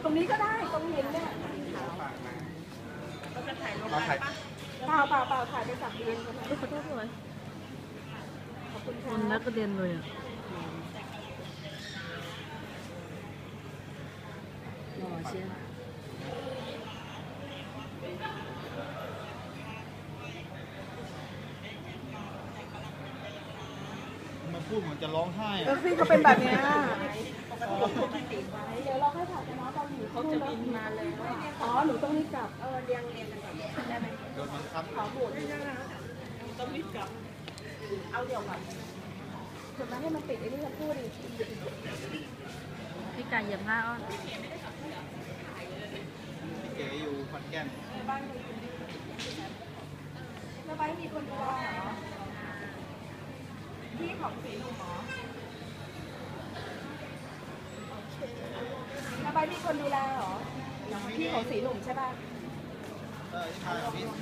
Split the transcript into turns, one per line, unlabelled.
รงนี้ก็ได้ตรงเห็นเนี่ยเราจะถ่ายลงไปปะเปล่าถ่ายไปสักเดือนกันนะขอโทษด้วยขอบคุณค่ะคนนักกระเด็นเลยอ่ะหล่อเชียว
มันพูดเหมือนจะร้องไห้
พี่เขาเป็นแบบนี้เดี๋ยวเราให้ถ่ายกันนะตอนหนูเขาจะบินมาเลยอ๋อหนูต้องรีบกลับเรียงกันก่อนได้ไหม
โดนบังคับ
ขอโหวตด้วยนะต้องรีบกลับเอาเดี๋ยวก่อนส่วนนั้นให้มันติดไอ้นี่จะพูดดิพี่ไก่เหยียบหน้าอ้อน
เก๋อยู่ขอนแก่น
บ้านแล้วบ้านมีคนดูแลเหรอพี่ของสีหนุ่มหรอแล้วบ้านมีคนดูแลเหรอพี่ของสีหนุ่มใช่ป่ะ
ใช่พี่